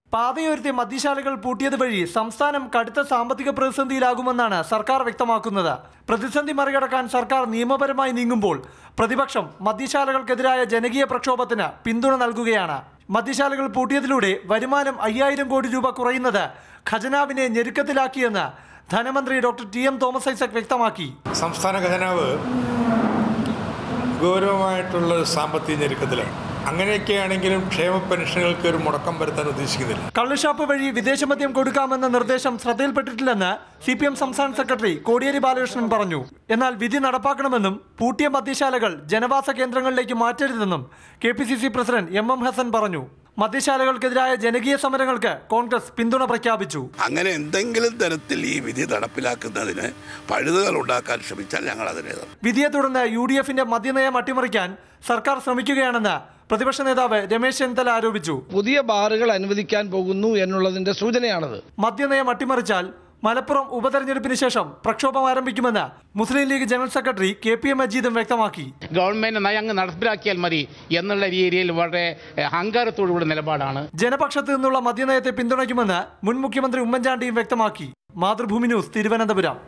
പാതയോരത്തെ മദ്യശാലകൾ പൂട്ടിയത് വഴി സംസ്ഥാനം കടുത്ത സാമ്പത്തിക പ്രതിസന്ധിയിലാകുമെന്നാണ് സർക്കാർ വ്യക്തമാക്കുന്നത്. പ്രതിസന്ധി മറികടക്കാൻ സർക്കാർ നിയമപരമായി നീങ്ങുമ്പോൾ പ്രതിപക്ഷം മദ്യശാലകൾക്കെതിരായ ജനകീയ പ്രക്ഷോഭത്തിന് പിന്തുണ നൽകുകയാണ്. മദ്യശാലകൾ പൂട്ടിയതിലൂടെ വരുമാനം 5000 കോടി രൂപ കുറയുന്നത് ഖജനാവിനെ ഞെരുക്കത്തിലാക്കിയെന്ന് ധനമന്ത്രി ഡോക്ടർ ടി.എം. തോമസ് ഐസക് വ്യക്തമാക്കി. സംസ്ഥാന ഖജനാവ് ഗൗരവമായിട്ടുള്ള സാമ്പത്തിക ഞെരുക്കത്തിലാണ്. അങ്ങനെയൊക്കെയാണെങ്കിലും ക്ഷേമ പെൻഷനുകൾക്ക് ഒരു മുടക്കം വരുത്താൻ ഉദ്ദേശിക്കുന്നില്ല. കള്ളുഷാപ്പ് വഴി വിദേശമദ്യം കൊടുക്കാമെന്ന നിർദ്ദേശം ശ്രദ്ധയിൽപ്പെട്ടിട്ടില്ലെന്ന് CPM സംസ്ഥാന സെക്രട്ടറി കോടിയേരി ബാലകൃഷ്ണൻ പറഞ്ഞു. എന്നാൽ വിധി നടപ്പാക്കണമെന്നും പൂട്ടിയ മദ്യശാലകൾ ജനവാസ കേന്ദ്രങ്ങളിലേക്ക് മാറ്റരുതെന്നും KPCC പ്രസിഡന്റ് MM ഹസൻ പറഞ്ഞു. മദ്യശാലകൾക്കെതിരായ ജനകീയ സമരങ്ങൾക്ക് കോൺഗ്രസ് പിന്തുണ പ്രഖ്യാപിച്ചു. അങ്ങനെ എന്തെങ്കിലും തരത്തിൽ ഈ വിധി നടപ്പിലാക്കുന്നതിന് പഴുതുകൾ ഉണ്ടാക്കാൻ ശ്രമിച്ചാൽ ഞങ്ങൾ അതിനെ വിധിയെ തുടർന്ന് UDFന്റെ മദ്യനയം അട്ടിമറിക്കാൻ സർക്കാർ ശ്രമിക്കുകയാണെന്ന് പ്രതിപക്ഷ നേതാവ് രമേശ് ചെന്നിത്തല ആരോപിച്ചു. പുതിയ ബാറുകൾ അനുവദിക്കാൻ പോകുന്നു എന്നുള്ളതിന്റെ സൂചനയാണത്. മദ്യനയം അട്ടിമറിച്ചാൽ മലപ്പുറം ഉപതെരഞ്ഞെടുപ്പിന് ശേഷം പ്രക്ഷോഭം ആരംഭിക്കുമെന്ന് Muslim League general secretary KP മജീദും വ്യക്തമാക്കി. ഗവൺമെന്റ് നയങ്ങ് നടപ്പിലാക്കിയാൽ മതി എന്നുള്ള രീതിയിൽ വളരെ അഹങ്കാരത്തോടുകൂടി നിലപാടാണ്. ജനപക്ഷത്ത് നിന്നുള്ള മദ്യനയത്തെ പിന്തുണയ്ക്കുമെന്ന് മുൻ മുഖ്യമന്ത്രി ഉമ്മൻചാണ്ടിയും വ്യക്തമാക്കി. മാതൃഭൂമി ന്യൂസ്, തിരുവനന്തപുരം.